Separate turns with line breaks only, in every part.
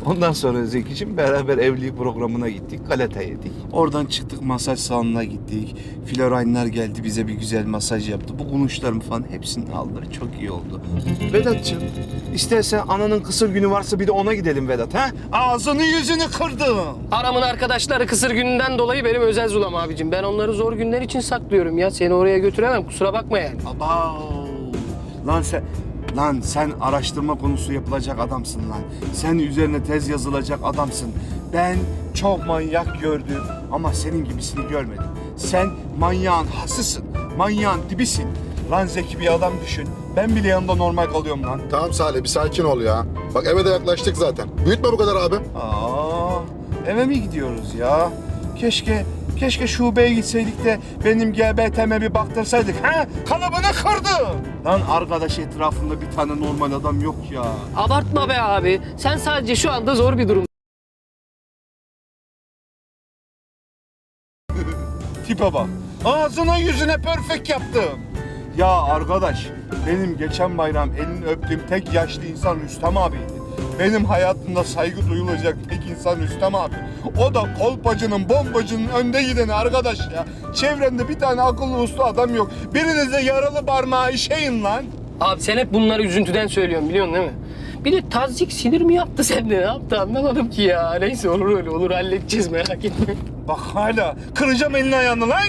Ondan sonra Zeki'cim beraber evlilik programına gittik. Galeta yedik. Oradan çıktık, masaj salonuna gittik. Floraynlar geldi, bize bir güzel masaj yaptı. Bu kulunçlarımı falan hepsini aldılar. Çok iyi oldu. Vedat'cığım, istersen ananın kısır günü varsa bir de ona gidelim Vedat, ha? Ağzını yüzünü kırdım.
Aramın arkadaşları kısır gününden dolayı benim özel zulam abicim. Ben onları zor günler için saklıyorum ya. Seni oraya götüremem, kusura bakma yani.
Abav. Lan sen araştırma konusu yapılacak adamsın lan. Sen üzerine tez yazılacak adamsın. Ben çok manyak gördüm ama senin gibisini görmedim. Sen manyağın hasısın, manyağın dibisin. Lan Zeki bir adam düşün. Ben bile yanında normal kalıyorum lan.
Tamam Salih bir sakin ol ya. Bak eve de yaklaştık zaten. Büyütme bu kadar abi.
Eve mi gidiyoruz ya? Keşke şubeye gitseydik de benim GBT'me bir baktırsaydık. Ha? Kalıbını kırdı. Lan arkadaş etrafında bir tane normal adam yok ya.
Abartma be abi. Sen sadece şu anda zor bir durum.
Tipe bak. Ağzına yüzüne perfect yaptım. Ya arkadaş, benim geçen bayram elini öptüğüm tek yaşlı insan Rüstem abiydi. Benim hayatımda saygı duyulacak tek insan Rüstem abi. O da kolpacının, bombacının önde gideni arkadaş ya. Çevrende bir tane akıllı uslu adam yok. Birinize yaralı parmağı işeyin lan.
Abi sen hep bunları üzüntüden söylüyorsun biliyorsun değil mi? Bir de tazyik sinir mi yaptı sende? Ne yaptı anlamadım ki ya. Neyse olur öyle olur halledeceğiz merak etme.
Bak hala kıracağım elini ayağını lan.
96.2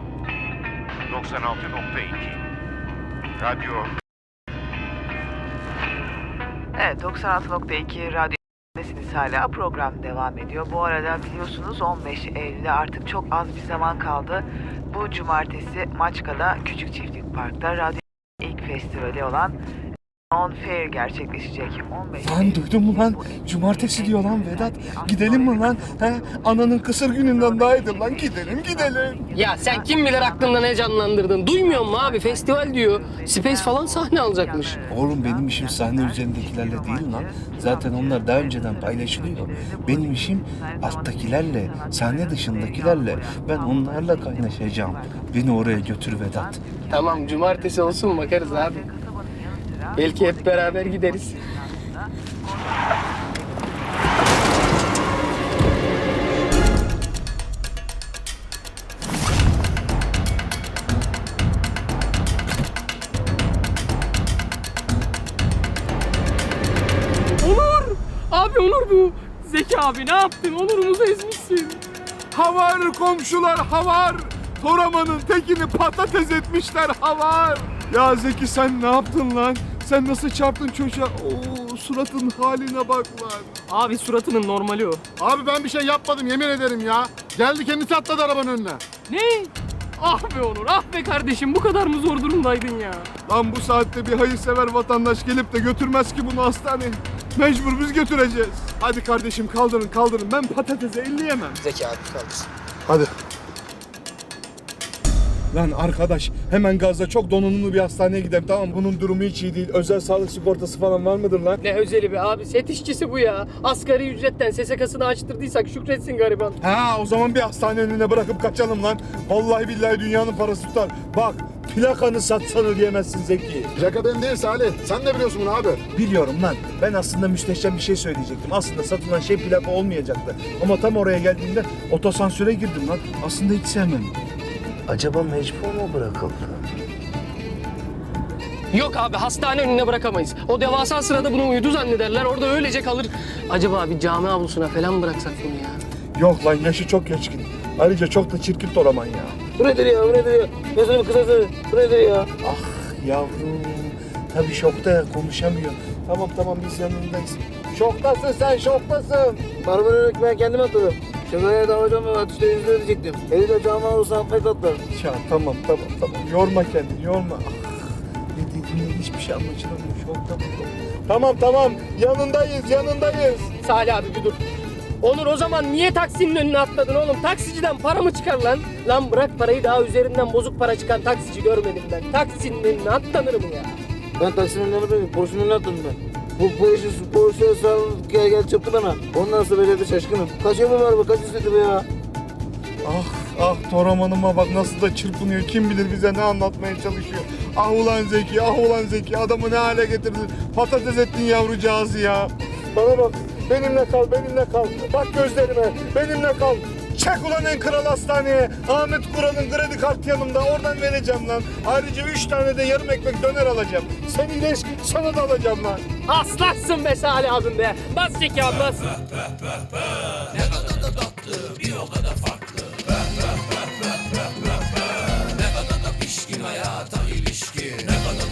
Radyo.
Evet, 96.2 radyodasınız hala. Program devam ediyor. Bu arada biliyorsunuz 15 Eylül'e artık çok az bir zaman kaldı. Bu cumartesi Maçka'da Küçük Çiftlik Park'ta radyo ilk festivali olan On Fair gerçekleşecek. 15
Lan duydun mu lan? Cumartesi diyor lan Vedat. Gidelim mi lan? He? Ananın kısır gününden daha iyidir lan. Gidelim.
Ya sen kim bilir aklında ne canlandırdın? Duymuyor musun abi? Festival diyor. Space falan sahne alacakmış.
Oğlum benim işim sahne üzerindekilerle değil lan. Zaten onlar daha önceden paylaşılıyor. Benim işim alttakilerle, sahne dışındakilerle. Ben onlarla kaynaşacağım. Beni oraya götür Vedat.
Tamam cumartesi olsun bakarız abi. Belki hep beraber gideriz. Onur! Abi Onur bu. Zeki abi ne yaptın? Onur'umuzu ezmişsin.
Havar komşular havar. Toraman'ın tekini patates etmişler havar. Ya Zeki sen ne yaptın lan? Sen nasıl çarptın çocuğa? Oo, suratın haline bak lan.
Abi suratının normali o.
Abi ben bir şey yapmadım yemin ederim ya. Geldi kendisi atladı arabanın önüne.
Ne? Ah be Onur, ah be kardeşim bu kadar mı zor durumdaydın ya?
Lan bu saatte bir hayırsever vatandaş gelip de götürmez ki bunu hastaneye. Mecbur biz götüreceğiz. Hadi kardeşim kaldırın. Ben patatese elleyemem.
Zeki abi kaldırsın.
Hadi.
Lan arkadaş hemen gazla çok donanımlı bir hastaneye gidelim tamam mı? Bunun durumu hiç iyi değil. Özel sağlık sigortası falan var mıdır lan?
Ne özeli be abi, set işçisi bu ya. Asgari ücretten SSK'sını açtırdıysak şükretsin gariban.
Ha o zaman bir hastane önüne bırakıp kaçalım lan. Vallahi billahi dünyanın parası tutar. Bak plakanı satsan ödeyemezsin Zeki.
Plaka ben değil Salih. Sen ne biliyorsun bunu abi?
Biliyorum lan. Ben aslında müsteşem bir şey söyleyecektim. Aslında satılan şey plaka olmayacaktı. Ama tam oraya geldiğimde otosansöre girdim lan. Aslında hiç sevmem. Acaba mecbur mu bırakıldı?
Yok abi, hastane önüne bırakamayız. O devasa sırada bunu uyudu zannederler, orada öylece kalır. Acaba bir cami avlusuna falan bıraksak bunu ya?
Yok lan yaşı çok geçkin. Ayrıca çok da çirkin Toraman ya.
Bu nedir ya, bu nedir ya? Gözünü kısası, bu nedir ya?
Ah yavrum. Tabii şokta ya konuşamıyor. Tamam biz yanındayız. Şoktasın sen şoktasın.
Marmara'ya ben kendim atladım. Şakaya davacağım ve atışta yüzde ödeyecektim. Eli de cama olsa affet atlarım.
Ya tamam. Yorma kendini yorma. Ah, ne dediğine hiçbir şey anlaşılamıyor. Şokta bu. Tamam yanındayız.
Salih abi bir dur. Onur o zaman niye taksinin önüne atladın oğlum? Taksiciden para mı çıkar lan? Lan bırak parayı, daha üzerinden bozuk para çıkan taksici görmedim ben. Taksinin önüne atlanır mı ya?
Ben taksinin önüne atladım. Porsche'nin önüne atladım ben. Bu işi Porsche sağ gel çarptı bana. Ondan sonra becerdi şaşkınım. Kaç yolu var bu? Kaç istedi bu ya?
Ah Toraman'ıma bak nasıl da çırpınıyor. Kim bilir bize ne anlatmaya çalışıyor. Ah ulan Zeki adamı ne hale getirdin. Patates ettin yavrucağızı ya.
Bana bak.
Benimle kal, benimle kal. Bak gözlerime, benimle kal. Çek ulan en kral hastaneye. Ahmet Kural'ın kredi kartı yanımda. Oradan vereceğim lan. Ayrıca 3 tane de yarım ekmek döner alacağım. Sen iyileş, sana da alacağım lan.
Aslansın be Salih abim be. Bas Zeki abi bas.
Ne kadar da tatlı, bir o kadar farklı.